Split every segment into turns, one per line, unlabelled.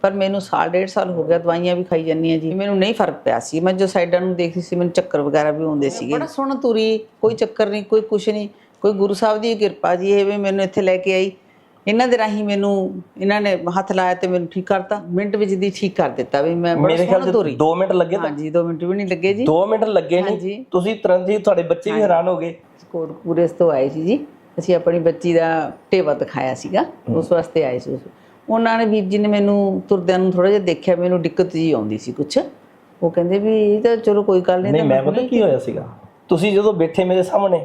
पर मैनू साल 1.5 साल हो गया दवाइयां भी खाई जानी जी, मैनू नहीं फर्क पिया सी। मैं जो साइडा नूं देखदी सी मैनू चक्कर वगैरह भी आउंदे सीगे। बड़ा सोहना तुरी, कोई चक्कर नहीं, कोई कुछ नहीं, कोई गुरु साहब दी किरपा जी। ये मैनू इत्थे लैके आई, इन्हां दे राहीं मैनू इन्हां ने हत्थ लाया ते मैनू ठीक करता, मिंट विच दी ठीक कर दिता भी। मैं बड़ा सोहना तुरी।
2 मिनट लगे?
हाँ जी, 2 मिनट भी नहीं लगे जी।
2 मिੰਟ ਲੱਗੇ ਨਹੀਂ? ਤੁਸੀਂ ਤੁਰੰਤ ਹੀ, ਤੁਹਾਡੇ ਬੱਚੇ ਵੀ ਹੈਰਾਨ ਹੋ ਗਏ।
ਕੋਟਕਪੂਰੇ ਤੋਂ ਆਏ ਸੀ ਜੀ, ਅਸੀਂ ਆਪਣੀ ਬੱਚੀ ਦਾ ਟੇਵਾ ਦਿਖਾਇਆ ਸੀਗਾ, ਉਸ ਵਾਸਤੇ ਆਏ ਸੀ। ਉਹਨਾਂ ਨੇ ਵੀਰ ਜੀ ਨੇ ਮੈਨੂੰ ਤੁਰਦਿਆਂ ਨੂੰ ਥੋੜਾ ਜਿਹਾ ਦੇਖਿਆ, ਮੈਨੂੰ ਦਿੱਕਤ ਜੀ ਆਉਂਦੀ ਸੀ ਕੁਛ। ਉਹ ਕਹਿੰਦੇ ਵੀ ਇਹ ਤਾਂ ਚਲੋ ਕੋਈ ਗੱਲ ਨਹੀਂ।
ਮੈਂ ਪਤਾ ਕੀ ਹੋਇਆ ਸੀਗਾ, ਤੁਸੀਂ ਜਦੋਂ ਬੈਠੇ ਮੇਰੇ ਸਾਹਮਣੇ,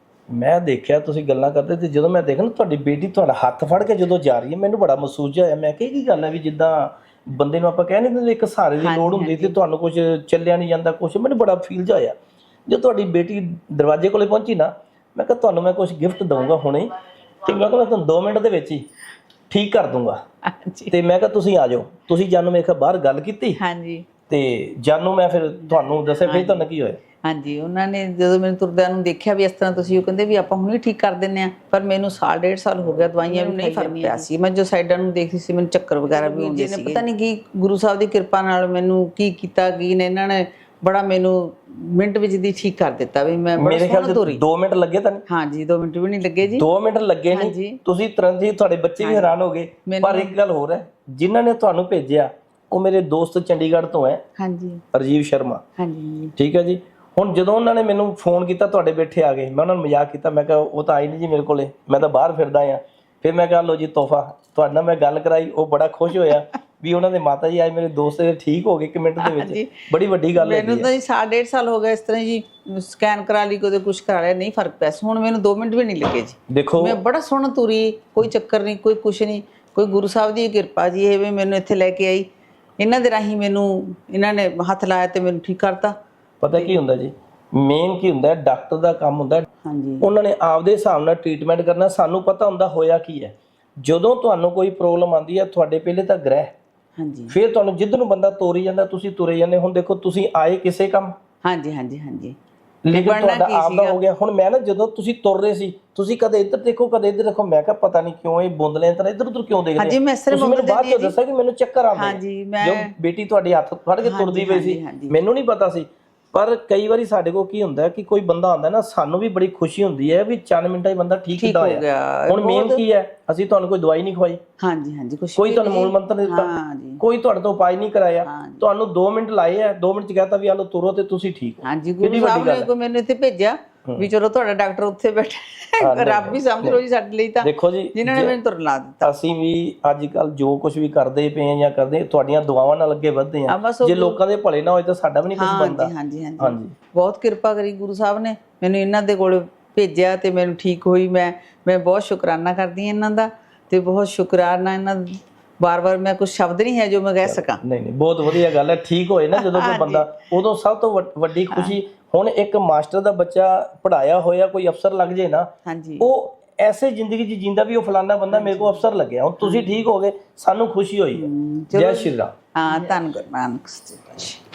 ਮੈਂ ਦੇਖਿਆ ਤੁਸੀਂ ਗੱਲਾਂ ਕਰਦੇ ਤੇ ਜਦੋਂ ਮੈਂ ਦੇਖਿਆ ਨਾ ਤੁਹਾਡੀ ਬੇਟੀ ਤੁਹਾਡਾ ਹੱਥ ਫੜ ਕੇ ਜਦੋਂ ਜਾ ਰਹੀ ਹੈ, ਮੈਨੂੰ ਬੜਾ ਮਹਿਸੂਸ ਹੋਇਆ। ਮੈਂ ਕਿਹਾ ਕੀ ਗੱਲ ਹੈ ਵੀ ਜਿੱਦਾਂ ਬੰਦੇ ਨੂੰ ਆਪਾਂ ਕਹਿ ਨਹੀਂ ਦਿੰਦੇ ਇੱਕ ਸਹਾਰੇ ਦੀ ਲੋੜ ਹੁੰਦੀ ਤੇ ਤੁਹਾਨੂੰ ਕੁਝ ਚੱਲਿਆ ਨਹੀਂ ਜਾਂਦਾ ਕੁਝ, ਮੈਨੂੰ ਬੜਾ ਫੀਲ ਜਿਹਾ ਹੋਇਆ। ਜਦੋਂ ਤੁਹਾਡੀ ਬੇਟੀ ਦਰਵਾਜ਼ੇ ਕੋਲੇ ਪਹੁੰਚੀ ਨਾ, ਮੈਂ ਕਿਹਾ ਤੁਹਾਨੂੰ ਮੈਂ ਕੁਝ ਗਿਫਟ ਦਊਂਗਾ ਹੁਣੇ, ਤੇ ਮੈਂ ਕਿਹਾ ਮੈਂ ਤੁਹਾਨੂੰ 2 ਮਿੰਟ ਦੇ ਵਿੱਚ ਹੀ ਠੀਕ ਕਰ ਦੂੰਗਾ। ਤੇ ਮੈਂ ਕਿਹਾ ਤੁਸੀਂ ਆ ਜਾਓ। ਤੁਸੀਂ ਜਾਨੂੰ ਮੇਰੇ ਖਿਆਲ ਬਾਹਰ ਗੱਲ ਕੀਤੀ।
ਹਾਂਜੀ। ਤੇ
ਜਾਨੂੰ ਮੈਂ ਫਿਰ ਤੁਹਾਨੂੰ ਦੱਸਿਆ ਫਿਰ ਤੁਹਾਨੂੰ ਕੀ ਹੋਇਆ।
ਹਾਂਜੀ, ਉਹਨਾਂ ਨੇ ਜਦੋਂ ਮੈਨੂੰ ਤੁਰਦਿਆਂ ਨੂੰ ਦੇਖਿਆ ਵੀ ਇਸ ਤਰ੍ਹਾਂ ਤੁਸੀਂ, ਉਹ ਕਹਿੰਦੇ ਵੀ ਆਪਾਂ ਹੁਣੇ ਠੀਕ ਕਰ ਦਿੰਨੇ ਆ। ਪਰ ਮੈਨੂੰ ਸਾਲ 1.5 ਸਾਲ ਹੋ ਗਿਆ ਦਵਾਈਆਂ ਵੀ ਨਹੀਂ ਫਰਕ ਪਿਆ ਸੀ। ਮੈਂ ਜੋ ਸਾਈਡਾਂ ਨੂੰ ਦੇਖਦੀ ਸੀ ਮੈਨੂੰ ਚੱਕਰ ਵਗੈਰਾ ਵੀ ਆਉਂਦੇ ਸੀ। ਪਤਾ ਨਹੀਂ ਕੀ ਗੁਰੂ ਸਾਹਿਬ ਦੀ ਕਿਰਪਾ ਨਾਲ ਮੈਨੂੰ ਕੀ ਕੀਤਾ ਕੀ ਨੇ ਇਹਨਾਂ ਨੇ, ਬੜਾ ਮੈਨੂੰ ਮਿੰਟ ਵਿੱਚ ਦੀ ਠੀਕ ਕਰ ਦਿੱਤਾ ਵੀ। ਮੈਂ ਬੜਾ ਸੋਹਣਾ ਤੁਰੀ।
2 ਮਿੰਟ ਲੱਗੇ ਤਾਂ?
ਹਾਂ ਜੀ, 2 ਮਿੰਟ ਵੀ ਨਹੀਂ ਲੱਗੇ ਜੀ।
2 ਮਿੰਟ ਲੱਗੇ ਨਹੀਂ? ਤੁਸੀਂ ਤੁਰੰਤ ਹੀ, ਤੁਹਾਡੇ ਬੱਚੇ ਵੀ ਹੈਰਾਨ ਹੋ ਗਏ। ਪਰ ਇੱਕ ਗੱਲ ਹੋਰ ਹੈ, ਜਿਨ੍ਹਾਂ ਨੇ ਤੁਹਾਨੂੰ ਭੇਜਿਆ ਉਹ ਮੇਰੇ ਦੋਸਤ ਚੰਡੀਗੜ੍ਹ ਤੋਂ ਹੈ। ਹਾਂਜੀ, ਰਾਜੀਵ ਸ਼ਰਮਾ। ਹਾਂਜੀ, ਠੀਕ ਹੈ ਜੀ। ਹੁਣ ਜਦੋਂ ਉਹਨਾਂ ਨੇ ਮੈਨੂੰ ਫੋਨ ਕੀਤਾ ਤੁਹਾਡੇ ਬੈਠੇ ਆ ਗਏ, ਮੈਂ ਉਹਨਾਂ ਨੂੰ ਮਜ਼ਾਕ ਕੀਤਾ, ਮੈਂ ਕਿਹਾ ਉਹ ਤਾਂ ਆਈ ਨਹੀਂ ਜੀ ਮੇਰੇ ਕੋਲੇ, ਮੈਂ ਤਾਂ ਬਾਹਰ ਫਿਰਦਾ ਆ। ਫਿਰ ਮੈਂ ਕਿਹਾ ਲਓ ਜੀ ਤੋਹਫਾ, ਤੁਹਾਡੇ ਨਾਲ ਮੈਂ ਗੱਲ ਕਰਾਈ, ਉਹ ਬੜਾ ਖੁਸ਼ ਹੋਇਆ ਵੀ ਉਹਨਾਂ ਦੇ ਮਾਤਾ ਜੀ ਅੱਜ ਮੇਰੇ ਦੋਸਤ ਦੇ ਠੀਕ ਹੋ ਗਏ 1 ਮਿੰਟ ਦੇ ਵਿੱਚ। ਬੜੀ ਵੱਡੀ ਗੱਲ ਹੈ। ਮੈਨੂੰ ਤਾਂ ਜੀ ਸਾਲ 1.5 ਸਾਲ ਹੋ ਗਿਆ ਇਸ ਤਰ੍ਹਾਂ ਜੀ, ਸਕੈਨ ਕਰਾ ਲਈ, ਕਦੇ ਕੁਛ ਕਰਾ ਲਿਆ, ਨਹੀਂ ਫਰਕ ਪਿਆ। ਹੁਣ ਮੈਨੂੰ 2 ਮਿੰਟ ਵੀ ਨਹੀਂ ਲੱਗੇ ਜੀ। ਦੇਖੋ ਮੈਂ ਬੜਾ ਸੋਹਣਾ ਤੁਰੀ, ਕੋਈ ਚੱਕਰ ਨਹੀਂ, ਕੋਈ ਕੁਛ ਨਹੀਂ, ਕੋਈ ਗੁਰੂ ਸਾਹਿਬ ਦੀ ਕਿਰਪਾ ਜੀ। ਇਹ ਮੈਨੂੰ ਇੱਥੇ ਲੈ ਕੇ ਆਈ, ਇਹਨਾਂ ਦੇ ਰਾਹੀਂ ਮੈਨੂੰ ਇਹਨਾਂ ਨੇ ਹੱਥ ਲਾਇਆ ਤੇ ਮੈਨੂੰ ਠੀਕ ਕਰਤਾ। ਪਤਾ ਕੀ ਹੁੰਦਾ ਜੀ, ਮੇਨ ਕੀ ਹੁੰਦਾ, ਡਾਕਟਰ ਦਾ ਕੰਮ ਹੁੰਦਾ, ਉਹਨਾਂ ਨੇ ਆਪਦੇ ਹਿਸਾਬ ਨਾਲ ਟ੍ਰੀਟਮੈਂਟ ਕਰਨਾ। ਸਾਨੂੰ ਪਤਾ ਹੁੰਦਾ ਹੋਇਆ ਕੀ ਹੈ। ਜਦੋਂ ਤੁਹਾਨੂੰ ਕੋਈ ਪ੍ਰੋਬਲਮ ਆਉਂਦੀ ਹੈ, ਤੁਹਾਡੇ ਪਹਿਲੇ ਤਾਂ ਗ੍ਰਹਿ, ਫਿਰ ਤੁਹਾਨੂੰ ਜਿੱਧਰ ਨੂੰ ਬੰਦਾ ਤੋਰੀ ਜਾਂਦਾ ਤੁਸੀਂ ਤੁਰੇ ਜਾਂਦੇ। ਹੁਣ ਦੇਖੋ ਤੁਸੀਂ ਆਏ ਕਿਸੇ ਕੰਮ, ਲੇਕਿਨ ਤੁਹਾਡਾ ਆਪਦਾ ਹੋ ਗਿਆ। ਹੁਣ ਮੈਂ ਨਾ ਜਦੋਂ ਤੁਸੀਂ ਤੁਰ ਰਹੇ ਸੀ, ਤੁਸੀਂ ਕਦੇ ਇੱਧਰ ਦੇਖੋ ਕਦੇ ਇੱਧਰ ਦੇਖੋ, ਮੈਂ ਕਿਹਾ ਪਤਾ ਨਹੀਂ ਕਿਉਂ ਇਹ ਬੁੰਦਲੇ ਤਰ੍ਹਾਂ ਇੱਧਰ ਉੱਧਰ ਕਿਉਂ ਦੇਖਦੇ। ਤੁਸੀਂ ਮੈਨੂੰ ਬਾਅਦ ਚ ਦੱਸਿਆ ਕਿ ਮੈਨੂੰ ਚੱਕਰ ਆਉਂਦੇ, ਜੋ ਬੇਟੀ ਤੁਹਾਡੀ ਹੱਥ ਫੜ ਕੇ ਤੁਰਦੀ ਪਈ ਸੀ, ਮੈਨੂੰ ਨਹੀਂ ਪਤਾ ਸੀ। ਪਰ ਕਈ ਵਾਰੀ ਸਾਡੇ ਕੋਲ ਕੀ ਹੁੰਦਾ ਕਿ ਕੋਈ ਬੰਦਾ ਆਉਂਦਾ ਨਾ, ਸਾਨੂੰ ਵੀ ਬੜੀ ਖੁਸ਼ੀ ਹੁੰਦੀ ਹੈ ਵੀ 4 ਮਿੰਟਾਂ 'ਚ ਬੰਦਾ ਠੀਕ ਕਿੱਦਾਂ ਹੋਇਆ। ਹੁਣ ਮੇਨ ਕੀ ਹੈ, ਅਸੀਂ ਤੁਹਾਨੂੰ ਕੋਈ ਦਵਾਈ ਨਹੀਂ ਖਵਾਈ, ਕੋਈ ਤੁਹਾਨੂੰ ਮੂਲ ਮੰਤਰ ਨਹੀਂ ਦਿੱਤਾ, ਕੋਈ ਤੁਹਾਡੇ ਤੋਂ ਉਪਾਅ ਨਹੀਂ ਕਰਾਇਆ, ਤੁਹਾਨੂੰ 2 ਮਿੰਟ ਲਾਏ ਆ, 2 ਮਿੰਟ 'ਚ ਕਹਿਤਾ ਵੀ ਆ ਲਓ ਤੁਰੋ ਤੇ ਤੁਸੀਂ ਠੀਕ ਹੋ।
ਗੁਰੂ ਸਾਹਿਬ ਨੇ ਕੋਈ ਮੈਨੂੰ ਇੱਥੇ ਭੇਜਿਆ ਵੀ ਚਲੋ ਤੁਹਾਡਾ ਡਾਕਟਰ ਉੱਥੇ ਬੈਠਾ, ਰੱਬ ਵੀ ਸਮਝ ਲਓ ਜੀ ਸਾਡੇ ਲਈ ਤਾਂ। ਦੇਖੋ ਜੀ, ਜਿਨ੍ਹਾਂ ਨੇ ਮੈਨੂੰ ਤੁਰਨ ਲਾ ਦਿੱਤਾ। ਅਸੀਂ ਵੀ ਅੱਜ ਕੱਲ ਜੋ ਕੁਝ ਵੀ ਕਰਦੇ ਪਏ ਆ ਜਾਂ ਕਰਦੇ, ਤੁਹਾਡੀਆਂ ਦੁਆਵਾਂ ਨਾਲ ਅੱਗੇ ਵਧਦੇ ਆ। ਜੇ ਲੋਕਾਂ ਦੇ ਭਲੇ ਨਾ ਹੋਏ ਤਾਂ ਸਾਡਾ ਵੀ ਨਹੀਂ ਕੁਝ ਬਣਦਾ। ਹਾਂਜੀ, ਬਹੁਤ ਕਿਰਪਾ ਕਰੀ ਗੁਰੂ ਸਾਹਿਬ ਨੇ, ਮੈਨੂੰ ਇਹਨਾਂ ਦੇ ਕੋਲ ਭੇਜਿਆ ਤੇ ਮੈਨੂੰ ਠੀਕ ਹੋਈ। ਮੈਂ ਬਹੁਤ ਸ਼ੁਕਰਾਨਾ ਕਰਦੀ ਹਾਂ ਇਹਨਾਂ ਦਾ, ਤੇ ਬਹੁਤ ਸ਼ੁਕਰਾਨਾ ਇਹਨਾਂ ਬਾਰ-ਬਾਰ ਮੈਂ ਕੁਝ ਸ਼ਬਦ ਨਹੀਂ ਹੈ ਜੋ ਮੈਂ ਕਹਿ ਸਕਾਂ। ਨਹੀਂ, ਬਹੁਤ ਵਧੀਆ ਗੱਲ ਹੈ। ਠੀਕ ਹੋਏ ਨਾ ਜਦੋਂ ਕੋਈ ਬੰਦਾ, ਉਦੋਂ ਸਭ ਤੋਂ ਵੱਡੀ ਖੁਸ਼ੀ। ਹੁਣ ਇੱਕ ਮਾਸਟਰ ਦਾ ਬੱਚਾ ਪੜਾਇਆ ਹੋਇਆ ਕੋਈ ਅਫਸਰ ਲੱਗ ਜੇ ਨਾ, ਉਹ ਐਸੇ ਜ਼ਿੰਦਗੀ 'ਚ ਜਿੰਦਾ ਵੀ ਉਹ ਫਲਾਨਾ ਬੰਦਾ ਮੇਰੇ ਕੋਲ ਅਫਸਰ ਲੱਗਿਆ। ਹੁਣ ਤੁਸੀਂ ਠੀਕ ਹੋ ਗਏ, ਸਾਨੂੰ ਖੁਸ਼ੀ ਹੋਈ। ਜੈ ਸ਼੍ਰੀ ਰਾਮ। ਹਾਂ, ਧੰਨ ਗੁਰੂ ਨਾਨਕ।